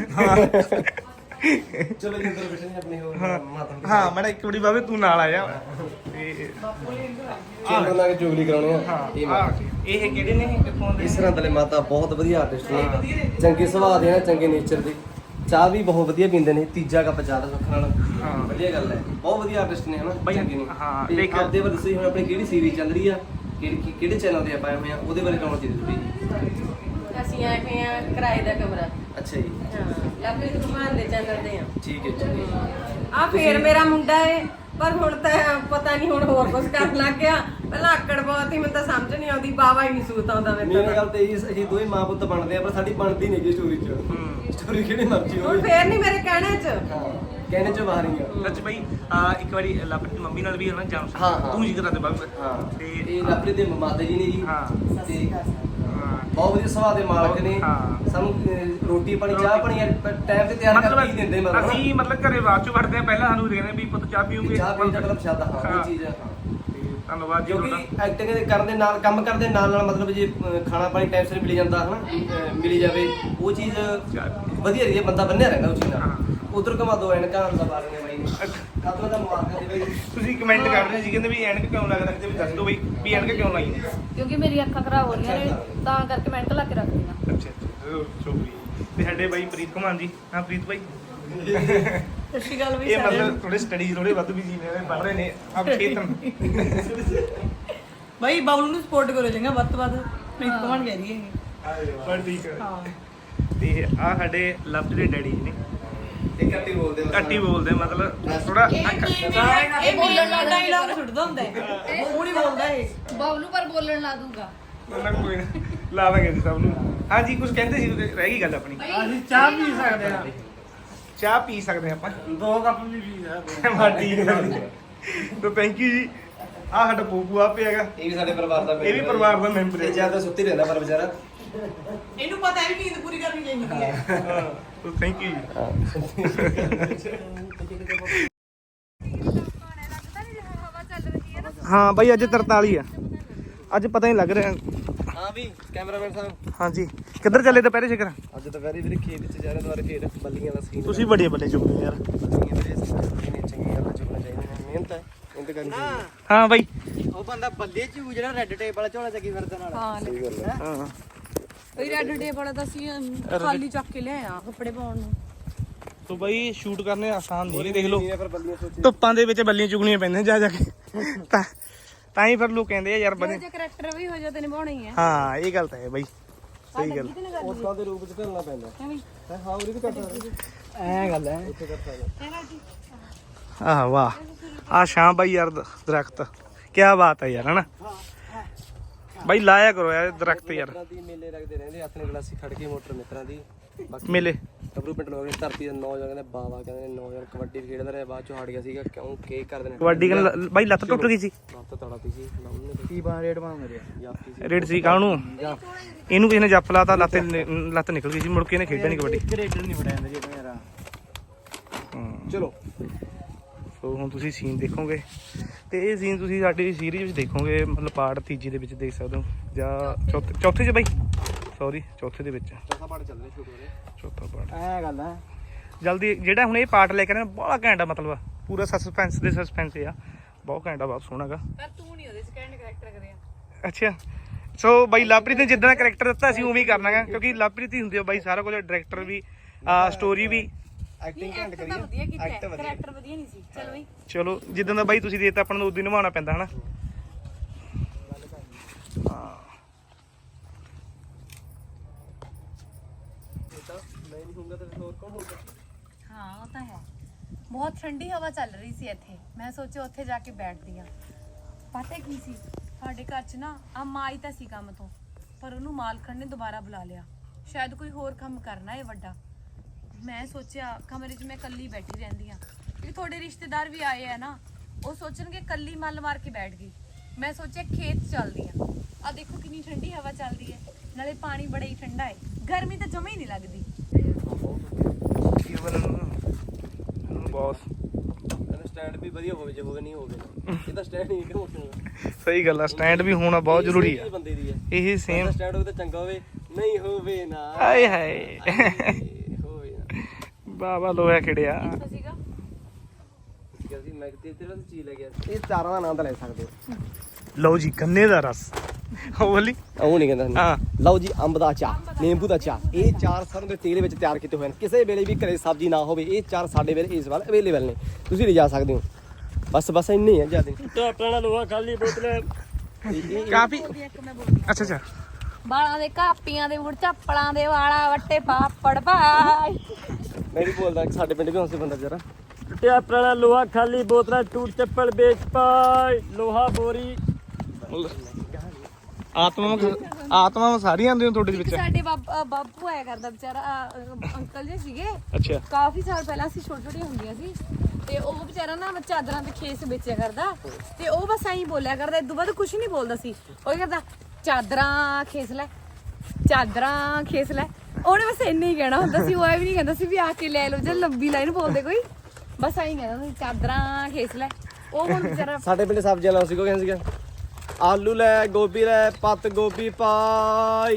E: ਚਲੋ ਜੀ ਅੰਦਰ ਬੈਠੇ ਨੇ ਆਪਣੇ ਹੋਰ ਮਾਤਾ ਨੂੰ
D: ਹਾਂ ਮੈਂ ਇੱਕ ਵਾਰੀ ਬਾਬੇ ਤੂੰ ਨਾਲ ਆ ਜਾ ਤੇ
E: ਚੇਂਬਰ ਲਾ ਕੇ ਚੁਗਲੀ ਕਰਾਉਣੀ ਆ ਇਹ ਮਾਤਾ।
D: ਇਹ ਕਿਹੜੇ ਨੇ ਕਿੱਥੋਂ ਦੇ?
E: ਇਸ ਤਰ੍ਹਾਂ ਦਲੇ ਮਾਤਾ ਬਹੁਤ ਵਧੀਆ ਆਰਟਿਸਟ ਨੇ, ਚੰਗੇ ਸੁਭਾਅ ਦੇ ਨੇ, ਚੰਗੇ ਨੇਚਰ ਦੇ, ਚਾਹ ਵੀ ਬਹੁਤ ਵਧੀਆ ਪੀਂਦੇ ਨੇ, ਤੀਜਾ ਕੱਪ ਚਾਹ ਦਾ ਸੁੱਖ ਨਾਲ ਵਧੀਆ ਗੱਲ ਹੈ। ਬਹੁਤ ਵਧੀਆ ਆਰਟਿਸਟ ਨੇ ਹਨਾ,
D: ਬਈ,
E: ਚੰਗੇ ਨੇ।
D: ਹਾਂ,
E: ਤੇ
D: ਦੇਖ-
E: ਆਪਦੇ ਬਾਰੇ ਦੱਸੋ ਜੀ, ਹੁਣ ਆਪਣੀ ਕਿਹੜੀ ਸੀਰੀਜ਼ ਚੱਲ ਰਹੀ ਆ, ਕਿਹੜੇ ਕਿਹੜੇ ਚੈਨਲ ਤੇ ਆਪਾਂ ਆਏ ਹੋਏ ਆ, ਉਹਦੇ ਬਾਰੇ ਕਹੋ ਜੀ ਤੁਸੀਂ।
H: ਅਸੀਂ ਆਏ ਹੋਏ ਆ ਕਿਰਾਏ ਦਾ ਕਮਰਾ।
E: ਅੱਛਾ ਜੀ,
H: ਹਾਂ ਲਵਪ੍ਰੀਤ ਕੁਮਾਰ ਦੇ ਚੈਨਲ ਤੇ ਆ।
E: ਠੀਕ ਹੈ ਠੀਕ ਹੈ।
H: ਆ ਫੇਰ ਮੇਰਾ ਮੁੰਡਾ ਏ, ਪਰ ਹੁਣ ਤਾਂ ਪਤਾ ਨਹੀਂ ਹੁਣ ਹੋਰ ਕੁਝ ਕਰਨ ਲੱਗ ਗਿਆ। ਪਹਿਲਾਂ ਆਕੜ ਬਹੁਤ ਹੀ, ਮੈਨੂੰ ਤਾਂ ਸਮਝ ਨਹੀਂ ਆਉਂਦੀ, ਬਾਵਾ ਹੀ ਨਹੀਂ ਸੂਤ ਆਉਂਦਾ
E: ਮੇਰੀ
H: ਮੈਨੂੰ
E: ਗੱਲ ਤੇ ਇਹ ਅਸੀਂ ਦੋਵੇਂ ਮਾਂ ਪੁੱਤ ਬਣਦੇ ਆ, ਪਰ ਸਾਡੀ ਬਣਦੀ ਨਹੀਂ ਜੀ ਸਟੋਰੀ 'ਚ। ਸਟੋਰੀ ਕਿਹੜੀ ਮਰਜ਼ੀ
H: ਹੁਣ
E: ਹੋਵੇ,
H: ਫੇਰ ਨਹੀਂ ਮੇਰੇ ਕਹਿਣੇ 'ਚ।
E: ਹਾਂ ਕਹਿਣੇ 'ਚ ਬਾਹਰ ਹੀ ਆ।
D: ਸੱਚ ਬਾਈ, ਆ ਇੱਕ ਵਾਰੀ ਲਵਪ੍ਰੀਤ ਦੀ ਮੰਮੀ ਨਾਲ ਵੀ ਹਨਾ ਜਾਮ
E: ਹਾਂ, ਹਾਂ।
D: ਤੂੰ ਜੀ ਕਰਾ ਦੇ ਬਾਬੇ।
E: ਹਾਂ
D: ਤੇ
E: ਇਹ ਲਵਪ੍ਰੀਤ ਦੇ ਮਾਤਾ ਜੀ ਨੇ ਜੀ,
D: ਹਾਂ
E: ਤੇ
D: ਹਾਂ।
E: ਬਹੁਤ ਵਧੀਆ ਸੁਭਾਅ ਦੇ ਮਾਲਕ ਨੇ।
D: ਹਾਂ।
E: ਸਾਨੂੰ ਅਹ, ਰੋਟੀ ਪਾਣੀ ਚਾਹ ਪਾਣੀ ਟਾਈਮ ਤੇ ਤਿਆਰ ਕਰਕੇ ਹੀ ਦਿੰਦੇ ਮਤਲਬ
D: ਅਸੀਂ ਮਤਲਬ ਘਰੇ ਬਾਅਦ ਚੋਂ ਵੜਦੇ ਆ, ਪਹਿਲਾਂ ਸਾਨੂੰ ਕਹਿੰਦੇ ਵੀ ਪੁੱਤ ਚਾਹ ਪੀਓਗੇ।
E: ਚਾਹ ਪੀਣ ਦਾ ਮਤਲਬ ਸ਼ਾਦਾ ਹਾਂ
D: ਹਾਂ।
E: ਉਹ ਚੀਜ਼ ਹੈ।
D: ਤੇ ਧੰਨਵਾਦ ਜੀ
E: ਕਿਉਂਕਿ
D: ਤੁਹਾਡਾ।
E: ਐਕਟਿੰਗ ਦੇ ਕਰਨ ਦੇ ਨਾਲ ਕੰਮ ਕਰਦੇ ਨਾਲ ਨਾਲ ਮਤਲਬ ਜੇ ਅਹ, ਖਾਣਾ ਪਾਣੀ ਟਾਈਮ ਸਿਰ ਮਿਲ ਜਾਂਦਾ ਹਨਾ, ਅਹ, ਮਿਲੀ ਜਾਵੇ ਉਹ ਚੀਜ਼ ਵਧੀਆ ਰਹੀ ਹੈ, ਬੰਦਾ ਬੰਨਿਆ ਰਹਿੰਦਾ ਉਸ ਚੀਜ਼ ਨਾਲ। ਉਧਰ ਘਮਾ ਦੋ ਐਨਕਾਂ ਦਾ ਬਾਰੇ ਨੇ ਬਾਈ ਕਾਤੋਂ ਦਾ ਮੁਬਾਰਕਾਂ ਦੇ ਬਾਈ।
D: ਤੁਸੀਂ ਕਮੈਂਟ ਕਰ ਰਹੇ ਸੀ ਕਹਿੰਦੇ ਵੀ ਐਨਕ ਕਿਉਂ ਲੱਗ ਰੱਖਦੇ, ਵੀ ਦੱਸ ਦਿਓ ਬਈ ਵੀ ਐਨਕ ਕਿਉਂ ਲਾਈ ਨੇ।
B: ਕਿਉਂਕਿ ਮੇਰੀ ਅੱਖਾਂ ਖਰਾਬ ਹੋ ਰਹੀਆਂ ਨੇ ਤਾਂ ਕਰਕੇ ਮੈਂ ਲਾ ਕੇ ਰੱਖਦੀ ਹਾਂ।
D: ਅੱਛਾ ਅੱਛਾ ਚੋਬੀ। ਤੇ ਸਾਡੇ ਬਾਈ ਪ੍ਰੀਤ ਕੁਮਾਰ ਜੀ, ਹਾਂ ਪ੍ਰੀਤ ਬਾਈ,
F: ਸੱਚੀ ਗੱਲ ਵੀ
D: ਇਹ ਮਤਲਬ ਥੋੜੇ ਸਟੱਡੀ ਥੋੜੇ ਵੱਧ ਵੀ ਜੀ ਨੇ, ਪੜ੍ਹ ਰਹੇ ਨੇ ਆਪ ਖੇਤਨ।
F: ਬਾਈ ਬਾਬਲੂ ਨੂੰ ਸਪੋਰਟ ਕਰੋ ਚੰਗਾ ਵੱਧ ਤੋਂ ਵੱਧ, ਪ੍ਰੀਤ ਕੁਮਾਰ ਕਹਿ ਰਹੀ ਹੈ।
D: ਪਰ ਠੀਕ ਹੈ।
F: ਹਾਂ
D: ਤੇ ਆ ਸਾਡੇ ਲਵ ਦੇ ਡੈਡੀ ਜੀ ਨੇ,
E: ਇਹ ਘੱਟ ਹੀ ਬੋਲਦੇ ਬਸ।
D: ਘੱਟੀ ਬੋਲਦੇ ਮਤਲਬ ਥੋੜਾ
F: ਇਹ ਬੋਲਣ ਦਾ ਡਾਇਲੌਗ ਛੱਡਦਾ ਹੁੰਦਾ ਹੈ, ਉਹ ਨਹੀਂ ਬੋਲਦਾ ਇਹ।
C: ਬਬਲੂ ਪਰ ਬੋਲਣ ਲਾ ਦੂੰਗਾ।
D: ਉਹਨਾਂ ਕੋਈ ਨਾ ਲਾ ਦਾਂਗੇ ਜੀ ਸਭ ਨੂੰ। ਹਾਂਜੀ ਕੁਝ ਕਹਿੰਦੇ ਸੀ, ਰਹਿ ਗਈ ਗੱਲ ਆਪਣੀ।
A: ਅਸੀਂ ਚਾਹ ਪੀ ਸਕਦੇ ਆ,
D: ਚਾਹ ਪੀ ਸਕਦੇ ਹਾਂ ਆਪਾਂ।
A: ਦੋ ਕੱਪ ਵੀ ਪੀ ਸਕਦੇ
D: ਹਾਂ ਠੀਕ ਹੈ। ਤਾਂ ਥੈਂਕ ਯੂ ਜੀ। ਆ ਸਾਡਾ ਪੂਪੂ ਆ ਪਿਆ ਹੈਗਾ,
E: ਇਹ ਵੀ ਸਾਡੇ ਪਰਿਵਾਰ ਦਾ
D: ਇਹ ਵੀ ਪਰਿਵਾਰ ਦਾ ਮੈਂਬਰ ਹੈ।
E: ਤੇ ਜਿਆਦਾ ਸੁੱਤੀ ਰਹਿੰਦਾ ਪਰ ਵਿਚਾਰਾ।
F: ਇਹਨੂੰ ਪਤਾ ਹੈ ਵੀ ਨੀਂਦ ਪੂਰੀ ਕਰਨੀ ਚਾਹੀਦੀ ਹੈ।
D: ਹਾਂ ਤਾਂ ਥੈਂਕ ਯੂ ਜੀ। ਹਾਂ ਬਾਈ ਅੱਜ ਤਰਤਾਲੀ ਆ, ਅੱਜ ਪਤਾ ਨਹੀਂ ਲੱਗ ਰਿਹਾ।
E: ਹਾਂ ਵੀ ਕੈਮਰਾਮੈਨ ਸਾਹਿਬ,
D: ਹਾਂਜੀ ਕਿੱਧਰ ਚੱਲੇ ਦੁਪਹਿਰੇ ਸ਼ਿਕਰ?
E: ਅੱਜ ਤਾਂ ਵੈਰੀ ਵੀਰੇ ਖੇਤ ਵਿੱਚ ਜਾ ਰਹੇ ਦੁਆਰੇ ਫੇਰ ਬੱਲੀਆਂ ਦਾ ਸੀਨ।
D: ਤੁਸੀਂ ਬੜੇ ਬੱਲੇ ਚੁੱਕਦੇ ਯਾਰ।
E: ਬੱਲੀਆਂ ਵੀਰੇ ਨੇ ਚੰਗੀ ਗੱਲ ਚੁੱਕਣਾ ਚਾਹੀਦਾ, ਮਿਹਨਤ ਹੈ, ਮਿਹਨਤ ਕਰਨੀ ਚਾਹੀਦੀ।
D: ਹਾਂ ਬਾਈ
A: ਉਹ ਬੰਦਾ ਬੱਲੇ ਚ ਜਿਹੜਾ ਰੈੱਡ ਟੇਪ ਵਾਲਾ ਝੋਲਾ ਚੱਕੀ ਫਿਰਦਾ ਨਾਲ।
C: ਹਾਂ
E: ਸਹੀ ਗੱਲ ਹੈ।
D: ਹਾਂ
C: ਇਹ ਰੈੱਡ ਡੇ ਵਾਲਾ ਤਾਂ ਅਸੀਂ ਖਾਲੀ ਚੱਕ ਕੇ ਲਿਆਇਆ ਕੱਪੜੇ ਪਾਉਣ ਨੂੰ।
D: ਤੋ ਬਾਈ ਸ਼ੂਟ ਕਰਨੇ ਆਸਾਨ ਨਹੀਂ, ਦੇਖ ਲਓ
E: ਨਹੀਂ ਪਰ ਬੱਲੀਆਂ ਸੋਚੀ
D: ਧੁੱਪਾਂ ਦੇ ਵਿੱਚ ਬੱਲੀਆਂ ਚੁਗਣੀਆਂ ਪੈਂਦੀਆਂ ਜਾ ਜਾ ਕੇ, ਤਾਂ ਤਾਂ ਹੀ ਫਿਰ ਲੋਕ ਕਹਿੰਦੇ ਆ ਯਾਰ
C: ਜਿਹੋ
D: ਬਣੇ।
C: ਜਿਹਾ ਕਰੈਕਟਰ ਵੀ ਹੋ ਜਾ ਤੇ ਨਿਭਾਉਣਾ ਹੀ ਹੈ।
D: ਹਾਂ ਇਹ ਗੱਲ ਤਾਂ ਹੈ ਬਾਈ, ਸਹੀ ਗੱਲ।
E: ਉਸਤਾਂ ਦੇ ਰੂਪ ਵਿੱਚ ਢਲਣਾ ਪੈਂਦਾ ਹੈ। ਹਾਂ ਉਰੀ ਵੀ ਕਰ ਸਕਦਾ
A: ਐ ਗੱਲ ਹੈ।
E: ਉੱਥੇ ਕਰ ਸਕਦਾ।
D: ਆਹ ਵਾਹ, ਆ ਸ਼ਾਮ ਬਾਈ ਯਾਰ ਦ- ਦਰਖਤ ਕੀ ਬਾਤ ਹੈ ਯਾਰ, ਹਨਾ ਬਾਈ ਲਾਇਆ ਕਰੋ ਯਾਰ ਦਰਖਤ ਯਾਰ।
E: ਮਿੱਤਰਾਂ ਦੀ ਮੇਲੇ ਲੱਗਦੇ ਰਹਿੰਦੇ, ਹੱਥ ਨੇ ਗਲਾਸੀ ਖੜ ਕੇ ਮੋਟਰ ਮਿੱਤਰਾਂ ਦੀ। ਬਾਕੀ
D: ਮੇਲੇ
E: ਕਬਰੂ ਪਿੰਡ ਲੋਕ ਨੇ ਧਰਤੀ ਦੇ ਨੌਜਵਾਨ ਕਹਿੰਦੇ ਬਾਵਾ ਕਹਿੰਦੇ ਨੇ ਨੌਜਵਾਨ ਕਬੱਡੀ ਵੀ ਖੇਡਦਾ ਰਿਹਾ, ਬਾਅਦ ਚੋਂ ਹਟ ਗਿਆ ਸੀਗਾ ਕਿਉਂ ਕੀ ਕਰਦੇ ਨੇ
D: ਕਬੱਡੀ ਕਰਨ ਬਾਈ ਲੱਤ ਟੁੱਟ ਗਈ ਸੀ।
E: ਲੱਤ ਤੜਾਤੀ ਸੀ ਲਾਉਣ ਨੇ
A: ਕੀ ਬਾ ਰੇਟ ਬਣ ਰਿਹਾ
E: ਯਾਪੀ ਸੀ।
D: ਰੇਡ ਸੀ ਕਾਹਨੂੰ, ਇਹਨੂੰ ਕਿਸੇ ਨੇ ਜੱਪ ਲਾਤਾ, ਲੱਤ ਨਿ- ਲੱਤ ਨਿਕਲ ਗਈ ਸੀ, ਮੁੜ ਕੇ ਇਹਨੇ ਖੇਡਿਆ ਨਹੀਂ ਕਬੱਡੀ।
A: ਰੇਡਰ ਨਹੀਂ ਬਣਾਇਆ ਜੀ ਆਪਣੇ ਯਾਰ।
D: ਹਾਂ
E: ਚਲੋ
D: ਸੋ ਹੁਣ ਤੁਸੀਂ ਸੀਨ ਦੇਖੋਗੇ ਤੇ ਇਹ ਸੀਨ ਤੁਸੀਂ ਸਾਡੀ ਸੀਰੀਜ਼ ਵਿੱਚ ਦੇਖੋਗੇ, ਮਤਲਬ ਪਾਰਟ ਤੀਜੀ ਦੇ ਵਿੱਚ ਦੇਖ ਸਕਦੇ ਹੋ ਜਾਂ ਚੌਥੇ ਚੌਥੇ 'ਚ ਬਾਈ, ਸੌਰੀ ਚੌਥੇ ਦੇ ਵਿੱਚ,
E: ਚੌਥਾ ਪਾਰਟ ਚੱਲ ਰਿਹਾ ਸ਼ੂਟ ਹੋ ਰਿਹਾ।
D: ਚੌਥਾ ਪਾਰਟ
A: ਐ ਗੱਲ ਹੈ।
D: ਜਲਦੀ ਜਿਹੜਾ ਹੁਣ ਇਹ ਪਾਰਟ ਲੈ ਕੇ ਆਏ ਬੜਾ ਘੈਂਟ ਆ, ਮਤਲਬ ਪੂਰਾ ਸਸਪੈਂਸ ਦੇ ਸਸਪੈਂਸ ਆ, ਬਹੁਤ ਘੈਂਟ ਆ, ਬਹੁਤ ਸੋਹਣਾ ਗਾ।
C: ਪਰ ਤੂੰ ਨਹੀਂ ਉਹਦੇ ਸੈਕੰਡ ਕਰੈਕਟਰ ਕਰਿਆ।
D: ਅੱਛਾ ਸੋ ਬਾਈ ਲਵਪ੍ਰੀਤ ਨੇ ਜਿੱਦਾਂ ਕਰੈਕਟਰ ਦਿੱਤਾ ਅਸੀਂ ਉਵੇਂ ਹੀ ਕਰਨਾ ਗਾ, ਕਿਉਂਕਿ ਲਵਪ੍ਰੀਤ ਹੀ ਹੁੰਦੀ ਆ ਬਾਈ ਸਾਰਾ ਕੁਝ, ਡਾਇਰੈਕਟਰ ਵੀ, ਸਟੋਰੀ ਵੀ।
E: ਐਕਟਿੰਗ ਘੰਟ
C: ਤਾਂ
E: ਕਰੀ
C: ਵਧੀਆ ਕੀਤਾ
E: ਐਕਟ ਵਧੀਆ।
C: ਕਰੈਕਟਰ ਵਧੀਆ ਨਹੀਂ ਸੀ। ਚਲੋ ਬਈ
D: ਚਲੋ ਜਿੱਦਾਂ ਦਾ ਬਾਈ ਤੁਸੀਂ ਦੇਤਾ ਆਪਾਂ ਨੂੰ ਉਦੋਂ ਹੀ ਨਿਭਾਉਣਾ ਪੈਂਦਾ ਹਨਾ। ਹਾਂ
E: ਮੈਂ ਨਹੀਂ ਹੋਊਗਾ ਤਾਂ ਹੋਰ ਕੌਣ ਹੋਊਗਾ।
C: ਹਾਂ ਉਹ ਤਾਂ ਹੈ। ਬਹੁਤ ਠੰਡੀ ਹਵਾ ਚੱਲ ਰਹੀ ਸੀ ਇੱਥੇ, ਮੈਂ ਸੋਚਿਆ ਉੱਥੇ ਜਾ ਕੇ ਬੈਠਦੀ ਆ। ਪਤਾ ਕੀ ਸੀ, ਸਾਡੇ ਘਰ 'ਚ ਨਾ ਆ ਮਾਂ ਆਈ ਤਾਂ ਸੀ ਕੰਮ ਤੋਂ, ਪਰ ਉਹਨੂੰ ਮਾਲਕਣ ਨੇ ਦੁਬਾਰਾ ਬੁਲਾ ਲਿਆ, ਸ਼ਾਇਦ ਕੋਈ ਹੋਰ ਕੰਮ ਕਰਨਾ ਹੈ ਵੱਡਾ। ਮੈਂ ਸੋਚਿਆ ਕਮਰੇ 'ਚ ਮੈਂ ਇਕੱਲੀ ਬੈਠੀ ਰਹਿੰਦੀ ਆ, ਕਿਉਂਕਿ ਤੁਹਾਡੇ ਰਿਸ਼ਤੇਦਾਰ ਵੀ ਆਏ ਆ ਨਾ, ਉਹ ਸੋਚਣਗੇ ਇਕੱਲੀ ਮੱਲ ਮਾਰ ਕੇ ਬੈਠ ਗਈ। ਮੈਂ ਸੋਚਿਆ ਖੇਤ ਚੱਲਦੀ ਆ, ਆ ਦੇਖੋ ਕਿੰਨੀ ਠੰਡੀ ਹਵਾ ਚੱਲਦੀ ਹੈ, ਨਾਲੇ ਪਾਣੀ ਬੜਾ ਹੀ ਠੰਡਾ ਹੈ, ਗਰਮੀ ਤਾਂ ਜਮਾ ਹੀ ਨਹੀਂ ਲੱਗਦੀ।
D: ਬੌਸ
E: ਸਟੈਂਡ ਵੀ ਵਧੀਆ ਹੋਵੇ, ਜੇ ਹੋਵੇ ਨਹੀਂ ਹੋਵੇ ਇਹ ਤਾਂ ਸਟੈਂਡ ਹੀ ਕਿਉਂ
D: ਸਹੀ ਗੱਲ ਆ, ਸਟੈਂਡ ਵੀ ਹੋਣਾ ਬਹੁਤ ਜ਼ਰੂਰੀ ਆ।
E: ਬੰਦੇ ਦੀ ਹੈ
D: ਇਹ ਸੇਮ
E: ਸਟੈਂਡ ਹੋਵੇ ਤਾਂ ਚੰਗਾ ਹੋਵੇ, ਨਹੀਂ ਹੋਵੇ ਨਾ
D: ਆਏ ਹਾਏ
E: ਹੋਵੇ ਨਾ।
D: ਬਾਬਾ ਲੋਹਾ ਖਿੜਿਆ।
C: ਕਿੱਥੋਂ ਸੀਗਾ?
E: ਅਸੀਂ ਮੈਂ ਤੇ ਤੇਰੇ ਤੋਂ ਚੀਜ਼ ਲੈ ਗਿਆ। ਇਹ ਚਾਰਾਂ ਦਾ ਆਨੰਦ ਲੈ ਸਕਦੇ ਹੋ।
D: ਲਓ ਜੀ ਗੰਨੇ ਦਾ ਰਸ, ਉਹ ਬੋਲੀ
E: ਉਹ ਨਹੀਂ ਕਹਿੰਦਾ
D: ਹਾਂ।
E: ਲਓ ਜੀ ਅੰਬ ਦਾ ਚਾਰ, ਨਿੰਬੂ ਦਾ ਚਾਰ, ਇਹ ਚਾਰ ਸਰੋਂ ਦੇ ਤੇਲ ਵਿੱਚ ਤਿਆਰ ਕੀਤੇ ਹੋਏ ਨੇ। ਕਿਸੇ ਵੇਲੇ ਵੀ ਘਰੇ ਸਬਜ਼ੀ ਨਾ ਹੋਵੇ, ਇਹ ਚਾਰ ਸਾਡੇ ਵੇਲੇ ਇਸ ਵਾਰ ਅਵੇਲੇਬਲ ਨੇ, ਤੁਸੀਂ ਲਿਜਾ ਸਕਦੇ ਹੋ। ਬਸ ਬਸ ਇੰਨੇ ਹੀ ਆ ਜਿਆਦਾ। ਟਾਪਣਾ ਲੋਹਾ ਖਾਲੀ ਬੋਤਲ
D: ਕਾਫੀ
C: ਇੱਕ ਮੈਂ ਬੋਲਦੀ
D: ਅੱਛਾ ਅੱਛਾ
C: ਬਾਲਾਂ ਦੇ ਕਾਪੀਆਂ ਦੇ ਮੁੜ ਚੱਪਲਾਂ ਦੇ ਵਾਲਾ ਵੱਟੇ ਪਾਪੜ ਭਾਈ।
E: ਮੈਂ ਵੀ ਬੋਲਦਾ ਕਿ ਸਾਡੇ ਪਿੰਡ ਵੀ ਹੌਂਸੇ ਬੰਦਾ ਜਰਾ ਟਾਪਣਾ ਲੋਹਾ ਖਾਲੀ ਬੋਤਲਾਂ ਟੂਟ ਚੱਪਲ ਵੇਚ ਪਾਈ ਲੋਹਾ ਬੋਰੀ।
D: ਆਤਮਾ ਆਤਮਾ ਸਾਰੀਆਂ ਆਉਂਦੀਆਂ ਤੁਹਾਡੇ ਵਿੱਚ।
C: ਸਾਡੇ ਬਾਬ- ਬਾਪੂ ਆਇਆ ਕਰਦਾ ਵਿਚਾਰਾ, ਅਹ, ਅੰਕਲ ਜੀ ਸੀਗੇ,
D: ਅੱਛਾ
C: ਕਾਫੀ ਸਾਲ ਪਹਿਲਾਂ ਅਸੀਂ ਛੋਟੀ ਛੋਟੀਆਂ ਹੁੰਦੀਆਂ ਸੀ, ਤੇ ਉਹ ਵਿਚਾਰਾ ਨਾ ਚਾਦਰਾਂ ਤੇ ਖੇਸ ਵੇਚਿਆ ਕਰਦਾ, ਤੇ ਉਹ ਬਸ ਐਂ ਬੋਲਿਆ ਕਰਦਾ, ਇਦੋਂ ਬਾਅਦ ਕੁਝ ਨਹੀਂ ਬੋਲਦਾ ਸੀ। ਉਹ ਕਹਿੰਦਾ ਚਾਦਰਾਂ ਖੇਸ ਲੈ, ਚਾਦਰਾਂ ਖੇਸ ਲੈ, ਉਹਨੇ ਬਸ ਇੰਨਾ ਹੀ ਕਹਿਣਾ ਹੁੰਦਾ ਸੀ। ਉਹ ਐ ਵੀ ਨਹੀਂ ਕਹਿੰਦਾ ਸੀ ਵੀ ਆ ਕੇ ਲੈ ਲਓ, ਜੇ ਲੰਬੀ ਲਾਈਨ ਬੋਲਦੇ ਕੋਈ, ਬਸ ਐਂ ਕਹਿੰਦਾ ਸੀ ਚਾਦਰਾਂ ਖੇਸ ਲੈ। ਉਹ ਹੁਣ ਵਿਚਾਰਾ
E: ਸਾਡੇ ਪਿੰਡ ਸਬਜ਼ੀਆਂ ਲਾਉ ਸੀ, ਕੋ ਕਹਿੰਦਾ ਸੀਗਾ ਆਲੂ ਲੈ, ਗੋਭੀ ਲੈ, ਪੱਤ ਗੋਭੀ ਪਾਈ।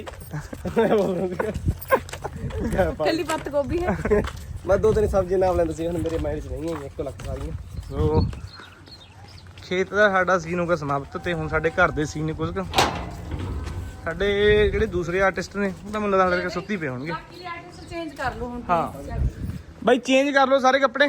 C: ਕੱਲੀ ਪੱਤ ਗੋਭੀ ਹੈ।
E: ਮੈਂ ਦੋ ਤਿੰਨ ਸਬਜ਼ੀਆਂ ਨਾਮ ਲੈਂਦਾ ਸੀ, ਹੁਣ ਮੇਰੇ ਮਾਈਂਡ 'ਚ ਨਹੀਂ ਹੈਗੀਆਂ, ਇੱਕੋ ਲੱਖ ਸਾਰੀਆਂ।
D: ਸੋ ਖੇਤ ਦਾ ਸਾਡਾ ਸੀਨ ਹੋ ਗਿਆ ਸਮਾਪਤ, ਤੇ ਹੁਣ ਸਾਡੇ ਘਰ ਦੇ ਸੀਨ ਨੇ ਕੁਝ ਕੁ। ਸਾਡੇ ਜਿਹੜੇ ਦੂਸਰੇ ਆਰਟਿਸਟ ਨੇ ਉਹ ਤਾਂ ਮੈਨੂੰ ਲੱਗਦਾ ਕਿ ਸੁੱਤੀ ਪਏ ਹੋਣਗੇ।
C: ਬਾਕੀ ਆਰਟਿਸਟ ਚੇਂਜ ਕਰ ਲਓ ਹੁਣ।
D: ਹਾਂ ਬਾਈ ਚੇਂਜ ਕਰ ਲਓ ਸਾਰੇ ਕੱਪੜੇ।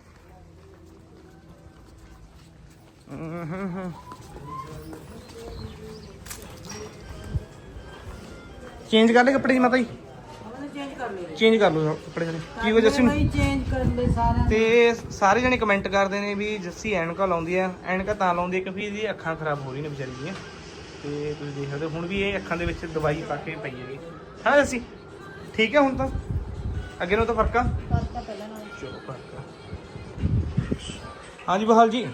D: ਚੇਂਜ ਕਰ ਲੈ ਕੱਪੜੇ ਜੀ ਮਾਤਾ ਜੀ,
F: ਚੇਂਜ ਕਰ ਲਏ
D: ਚੇਂਜ ਕਰ ਲਓ ਕੱਪੜੇ ਸਾਰੇ। ਕੀ ਹੋ ਜੱਸੀ ਨੂੰ
F: ਚੇਂਜ ਕਰ ਲਏ ਸਾਰਿਆਂ ਨੇ।
D: ਤੇ ਸਾਰੇ ਜਣੇ ਕਮੈਂਟ ਕਰਦੇ ਨੇ ਵੀ ਜੱਸੀ ਐਨਕਾਂ ਲਾਉਂਦੀ ਆ, ਐਨਕਾਂ ਤਾਂ ਲਾਉਂਦੀ ਆ ਕਿਉਂਕਿ ਇਹਦੀ ਅੱਖਾਂ ਖਰਾਬ ਹੋ ਰਹੀਆਂ ਨੇ ਵਿਚਾਰੀ ਦੀਆਂ। ਤੇ ਤੁਸੀਂ ਦੇਖ ਸਕਦੇ ਹੋ ਹੁਣ ਵੀ ਇਹ ਅੱਖਾਂ ਦੇ ਵਿੱਚ ਦਵਾਈ ਪਾ ਕੇ ਪਈ ਹੈਗੀ। ਹਾਂ ਜੱਸੀ ਠੀਕ ਹੈ ਹੁਣ ਤਾਂ, ਅੱਗੇ ਨੂੰ ਤਾਂ ਫਰਕ ਆ।
C: ਪੱਤਾ ਪਹਿਲਾਂ ਨਾਲ
D: ਚਲੋ ਫਰਕ ਆ। ਹਾਂਜੀ ਬਹਾਲ ਜੀ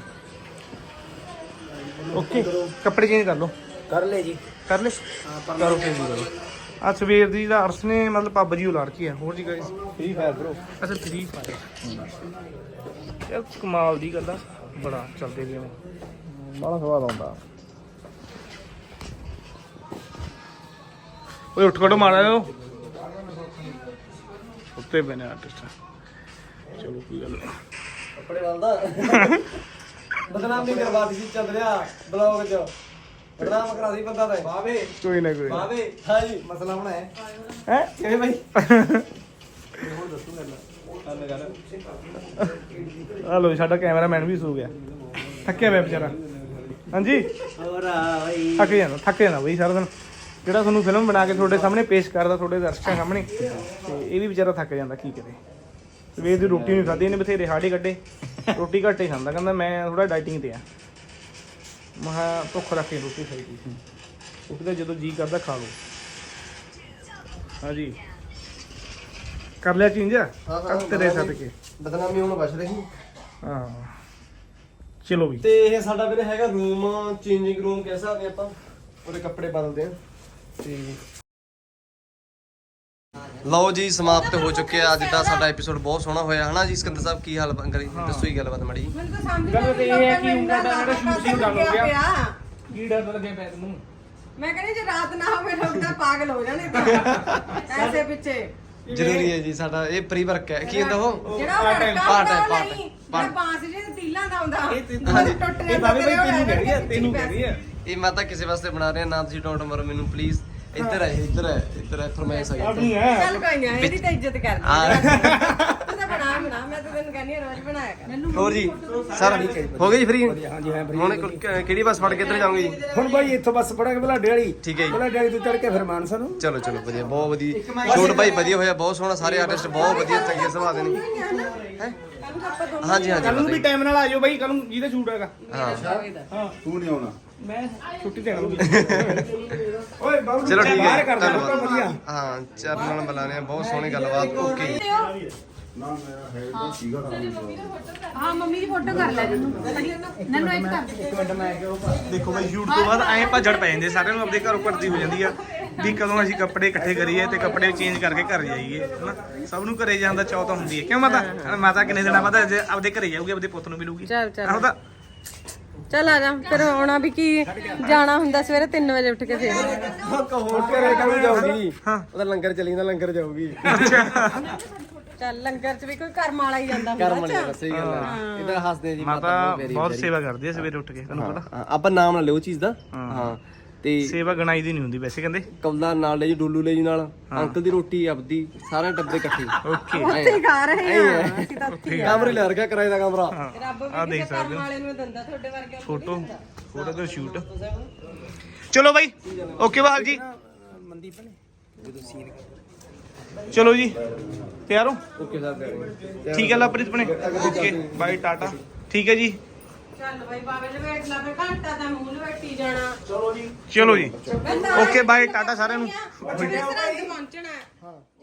D: ਓਕੇ, ਕੱਪੜੇ ਚੇਂਜ ਕਰ ਲਓ।
A: ਕਰ ਲੈ ਜੀ।
D: ਕਰ ਲੈ ਕਰੋ ਫਿਰ ਜੀ ਕਰੋ। ਆ ਸਵੇਰ ਦੀ ਦਾ ਅਰਸ ਨੇ ਮਤਲਬ ਪੱਬ ਜੀ ਉਲਾੜ ਕੇ ਆ। ਹੋਰ ਜੀ ਗਾਇਸ
E: ਫ੍ਰੀ ਫਾਇਰ ਬ్రో।
D: ਅੱਛਾ ਫ੍ਰੀ ਫਾਇਰ ਯਾਰ ਕਮਾਲ ਦੀ ਗੱਲ ਆ, ਬੜਾ ਚੱਲਦੇ ਗਏ ਨੇ, ਬੜਾ ਸਵਾਦ ਆਉਂਦਾ। ਓਏ ਉੱਠ ਖੜੋ ਮਾਰਾ ਲਓ ਉੱਤੇ ਬਣੇ ਆਰਟਿਸਟ। ਚਲੋ ਕੋਈ ਗੱਲ ਨਹੀਂ।
E: ਕੱਪੜੇ ਵਾਲਦਾ ਬਦਨਾਮੀ ਕਰਵਾ ਦਿੱਤੀ ਚੱਲ ਰਿਹਾ ਬਲੌਗ 'ਚ, ਬਦਨਾਮ ਕਰਾ ਦੀ ਬੰਦਾ ਤਾਂ ਬਾਵੇ
D: ਕੋਈ ਨਾ ਕੋਈ
E: ਬਾਵੇ। ਹਾਂ ਜੀ ਮਸਲਾ ਬਣਾਇਆ
D: ਹੈ
E: ਕਿਵੇਂ ਬਾਈ?
D: ਆ ਲੋ ਸਾਡਾ ਕੈਮਰਾਮੈਨ ਵੀ ਸੋ ਗਿਆ, ਥੱਕਿਆ ਪਿਆ ਵਿਚਾਰਾ। ਹਾਂਜੀ
E: ਹੋਰ ਆ ਬਾਈ
D: ਥੱਕ ਜਾਂਦਾ ਥੱਕ ਜਾਂਦਾ ਬਈ ਸਾਰਾ ਦਿਨ, ਜਿਹੜਾ ਤੁਹਾਨੂੰ ਫਿਲਮ ਬਣਾ ਕੇ ਤੁਹਾਡੇ ਸਾਹਮਣੇ ਪੇਸ਼ ਕਰਦਾ ਤੁਹਾਡੇ ਦਰਸ਼ਕਾਂ ਸਾਹਮਣੇ, ਤੇ ਇਹ ਵੀ ਵਿਚਾਰਾ ਥੱਕ ਜਾਂਦਾ। ਕੀ ਕਰੇ, ਸਵੇਰ ਦੀ ਰੋਟੀ ਨਹੀਂ ਖਾਧੀ ਇਹਨੇ, ਬਥੇਰੇ ਹਾੜੇ ਕੱਢੇ, ਰੋਟੀ ਘੱਟ ਹੀ ਖਾਂਦਾ। ਕਹਿੰਦਾ ਮੈਂ ਥੋੜਾ ਡਾਈਟਿੰਗ ਤੇ ਆ। ਮੈਂ ਕਿਹਾ ਭੁੱਖ ਰੱਖ ਕੇ ਰੋਟੀ ਖਾਈ ਦੀ, ਰੋਟੀ ਤਾਂ ਜਦੋਂ ਜੀ ਕਰਦਾ ਖਾ ਲਓ। ਹਾਂਜੀ ਕਰ ਲਿਆ ਚੇਂਜ ਤੇਰੇ ਸਦਕੇ।
E: ਬਦਨਾਮੀ ਹੁਣ ਬਚ ਰਹੀ।
D: ਹਾਂ ਚਲੋ ਵੀ।
E: ਤੇ ਇਹ ਸਾਡਾ ਵੀਰੇ ਹੈਗਾ ਰੂਮ, ਚੇਂਜਿੰਗ ਰੂਮ ਕਹਿ ਸਕਦੇ ਆਪਾਂ, ਉਹਦੇ ਕੱਪੜੇ ਬਦਲਦੇ ਆ। ਤੇ ਲਓ ਜੀ ਸਮਾਪਤ ਹੋ ਚੁੱਕਿਆ ਅੱਜ ਦਾ ਸਾਡਾ ਐਪੀਸੋਡ। ਬਹੁਤ ਸੋਹਣਾ ਹੋਇਆ ਹਨਾ ਜੀ। ਸਿਕੰਦਰ ਸਾਹਿਬ ਕੀ ਹਾਲ ਕਰੀ ਦੱਸੋ ਹੀ ਗੱਲਬਾਤ ਮਾੜੀ।
H: ਮੈਨੂੰ ਤਾਂ ਸਮਝ
D: ਗੱਲ ਤੇ ਇਹ ਹੈ ਕਿ
H: ਮੈਨੂੰ
D: ਉਂਗਲ ਦਾ ਜਿਹੜਾ ਸ਼ੂਟਿੰਗ ਡਨ ਹੋ ਗਿਆ।
H: ਪਿਆ।
D: ਕੀ ਡਰ ਲੱਗਿਆ ਪੈ ਤੈਨੂੰ?
H: ਮੈਂ ਕਹਿੰਦੀ ਜੇ ਰਾਤ ਨਾ ਹੋਵੇ ਲੋਕ ਤਾਂ ਪਾਗਲ ਹੋ ਜਾਣੇ ਤਾਂ ਐਸੇ ਪਿੱਛੇ।
E: ਜ਼ਰੂਰੀ ਹੈ ਜੀ ਸਾਡਾ ਇਹ ਪ੍ਰੀ ਵਰਕ ਹੈ। ਕੀ ਹੁੰਦਾ ਉਹ
H: ਜਿਹੜਾ ਉਹ ਲੜਕਾ
E: ਪਾਰਟ ਹੈ,
H: ਹੁੰਦਾ
E: ਪਾਰਟ
H: ਨਹੀਂ,
E: ਹੈ,
H: ਜਿਹੜਾ ਬਾਂਸ ਜਿਹੇ ਤੀਲਾਂ ਦਾ ਹੁੰਦਾ
D: ਇਹ ਤੇ-
H: ਹਾਂਜੀ ਟੁੱਟ
D: ਇਹ
H: ਜਾਂਦਾ
D: ਬਾਬੇ
H: ਤੇਰੇ
D: ਭਾਈ ਤੈਨੂੰ
H: ਹੋਇਆ
D: ਕਹਿ ਰਹੀ ਹੈ,
H: ਵਿੱਚ
D: ਤੈਨੂੰ ਕਹਿ
H: ਪੈਸੇ।
D: ਰਹੀ ਹੈ।
E: ਇਹ ਮੈਂ ਤਾਂ ਕਿਸੇ ਵਾਸਤੇ ਬਣਾ ਰਿਹਾ ਨਾ, ਤੁਸੀਂ ਡੋਂਟ ਮਰੋ ਮੈਨੂੰ ਪਲੀਜ਼। ਇੱਧਰ ਹੈ ਇੱਧਰ ਹੈ ਇੱਧਰ ਹੈ ਫਰਮਾਇਸ਼ ਆ
D: ਆਪਣੀ
E: ਗਈ।
D: ਹੈ
H: ਚੱਲ ਕੋਈ ਨਾ, ਇਹਦੀ ਤਾਂ ਇੱਜ਼ਤ ਕਰ
E: ਹਾਂ।
H: ਤੂੰ ਤਾਂ ਬਣਾ ਬਣਾ, ਮੈਂ ਤਾਂ ਤੈਨੂੰ ਕਹਿੰਦੀ ਹਾਂ ਰੋਜ਼ ਬਣਾਇਆ ਕਰ।
E: ਹੋਰ ਜੀ ਸਰ ਹੋ ਗਏ ਜੀ ਫ੍ਰੀ?
A: ਹਾਂਜੀ ਹਾਂ free
E: ਹੁਣ ਕ- ਕਿਹੜੀ ਬੱਸ ਫੜ ਕੇ ਇੱਧਰ ਜਾਓਗੇ ਜੀ?
A: ਹੁਣ ਬਾਈ ਇੱਥੋਂ ਬੱਸ ਫੜਾਂਗੇ ਬਲਾਡੇ ਵਾਲੀ।
E: ਠੀਕ ਹੈ ਜੀ।
A: ਬਲਾਡੇ ਵਾਲੀ ਤੋਂ ਚੜ ਕੇ ਫਿਰ ਮਾਨਸਾ ਨੂੰ।
E: ਚਲੋ ਚਲੋ ਵਧੀਆ, ਬਹੁਤ ਵਧੀਆ ਸ਼ੂਟ ਭਾਈ ਵਧੀਆ ਹੋਇਆ, ਬਹੁਤ ਸੋਹਣਾ, ਸਾਰੇ ਆਰਟਿਸਟ ਬਹੁਤ ਵਧੀਆ ਚੰਗੇ ਸੁਭਾਅ ਦੇ ਨੇ। ਹੈ
H: ਜਾਊਗਾ ਆਪਾਂ ਦੋਨੋਂ
E: ਹਾਂਜੀ ਹਾਂਜੀ
D: ਕੱਲ ਨੂੰ ਵੀ ਟਾਈਮ ਨਾਲ ਆ ਜਾਓ ਬਾਈ, ਕੱਲ ਨੂੰ ਜਿਹਦਾ ਸ਼ੂਟ ਹੈਗਾ।
E: ਹਾਂ
A: ਤੂੰ ਨਹੀਂ ਆਉਣਾ
D: ਮੈਂ ਛੁੱਟੀ ਤੇ ਆਣਾ
A: ਓਏ ਬਾਬੂ
E: ਚਲੋ ਠੀਕ ਹੈ
A: ਕਰ ਦੇਣਾ ਤਾਂ ਵਧੀਆ।
E: ਹਾਂ ਚਰਨ ਨਾਲ ਮਿਲਾਨੇ ਆ, ਬਹੁਤ ਸੋਹਣੀ ਗੱਲਬਾਤ। ਓਕੇ
A: ਨਾ ਮੇਰਾ ਹੈ ਤਾਂ ਸੀਗਾ
C: ਹਾਂ ਮੰਮੀ ਦੀ ਫੋਟੋ ਕਰ ਲੈ ਤੈਨੂੰ ਨੰਨੂ ਇੱਕ ਕਰ ਦੇ।
D: ਦੇਖੋ ਬਾਈ ਸ਼ੂਟ ਤੋਂ ਬਾਅਦ ਐਂ ਭੱਜੜ ਪੈ ਜਾਂਦੇ ਸਾਰਿਆਂ ਨੂੰ, ਆਪਦੇ ਘਰੋਂ ਭੱਜਦੀ ਹੋ ਜਾਂਦੀ ਆ ਵੀ ਕਦੋਂ ਅਸੀਂ ਕੱਪੜੇ ਇਕੱਠੇ ਕਰੀਏ ਤੇ ਕੱਪੜੇ ਚੇਂਜ ਕਰਕੇ ਘਰ ਜਾਈਏ, ਹਨਾ। ਸਭ ਨੂੰ ਘਰੇ ਜਾਣ ਦਾ ਚਾਅ ਤਾਂ ਹੁੰਦੀ ਹੈ, ਕਿਉਂ ਮਾਤਾ? ਮਾਤਾ ਕਿੰਨੇ ਦਿਨਾਂ ਬਾਅਦ ਅੱਜ ਆਪਦੇ ਘਰੇ ਜਾਊਗੀ, ਆਪਦੇ ਪੁੱਤ ਨੂੰ ਮਿਲੂਗੀ।
H: ਚੱਲ ਚੱਲ
D: ਆਹੋ ਤਾਂ
H: ਚੱਲ ਆ ਜਾ ਫਿਰ। ਆਉਣਾ ਵੀ ਕੀ, ਜਾਣਾ ਹੁੰਦਾ ਸਵੇਰੇ ਤਿੰਨ ਵਜੇ ਉੱਠ ਕੇ ਫੇਰ।
E: ਹੋਰ ਘਰੇ ਕਦੋਂ ਜਾਊਗੀ? ਉਹਦਾ ਲੰਗਰ ਚੱਲੀ ਜਾਂਦਾ, ਲੰਗਰ ਜਾਊਗੀ।
H: ਚੱਲ ਲੰਗਰ 'ਚ ਵੀ ਕੋਈ ਕਰਮ ਵਾਲਾ ਹੀ ਜਾਂਦਾ
E: ਕਰਮ ਵਾਲੀ ਗੱਲ, ਸਹੀ ਗੱਲ ਹੈ। ਇਹਦਾ ਹੱਸਦੇ ਆ ਜੀ
D: ਮਾਤਾ ਬਹੁਤ ਸੇਵਾ ਕਰਦੀ ਆ ਸਵੇਰੇ ਉੱਠ ਕੇ, ਤੁਹਾਨੂੰ ਪਤਾ।
E: ਹਾਂ, ਆਪਾਂ ਨਾਮ ਨਾ ਲਿਓ ਚੀਜ਼ ਦਾ। ਹਾਂ ਤੇ
D: ਸੇਵਾ ਗਣਾਈ ਦੀ ਨਹੀਂ ਹੁੰਦੀ ਵੈਸੇ ਕਹਿੰਦੇ।
E: ਕੌਲਾ ਨਾਲ ਲੈ ਜੀ, ਡੋਲੂ ਲੈ ਜੀ ਨਾਲ, ਅੰਕਲ ਦੀ ਰੋਟੀ ਆਪਦੀ, ਸਾਰੇ ਡੱਬੇ ਇਕੱਠੇ।
D: ਓਕੇ
H: ਉੱਥੇ ਖਾ ਰਹੇ ਆ ਅਸੀਂ ਤਾਂ ਉੱਥੇ
E: ਕਮਰੇ ਲੈ ਰਖਿਆ ਕਿਰਾਏ ਦਾ ਕਮਰਾ।
H: ਰੱਬ
D: ਆ
H: ਵੀ
D: ਦੇਖ
H: ਕਿਸੇ ਕਰਮ ਵਾਲੇ ਨੂੰ ਦਿੰਦਾ, ਤੁਹਾਡੇ ਵਰਗੇ
D: ਫੋਟੋ ਫੋਟੋ ਦਾ ਸ਼ੂਟ। ਚਲੋ ਬਾਈ ਓਕੇ ਬਹਾਲ ਜੀ, ਚਲੋ ਜੀ ਤਿਆਰ ਹੋ?
E: Okay sir.
D: ਠੀਕ ਹੈ ਲਵਪ੍ਰੀਤ ਬਣੇ, ਓਕੇ ਬਾਈ ਟਾਟਾ, ਠੀਕ ਹੈ ਜੀ।
H: ਚੱਲ ਬਾਈ ਬਾਬੇ ਦੇ ਵੇਟ ਲਾ, ਫੇ ਘੰਟਾ ਤਾਂ ਮੂੰਹ ਲਵੇਟੀ ਜਾਣਾ।
D: ਚਲੋ ਜੀ ਓਕੇ ਬਾਈ ਟਾਟਾ ਸਾਰਿਆਂ ਨੂੰ।
H: ਕਿਸ ਤਰ੍ਹਾਂ ਪਹੁੰਚਣਾ ਹੈ?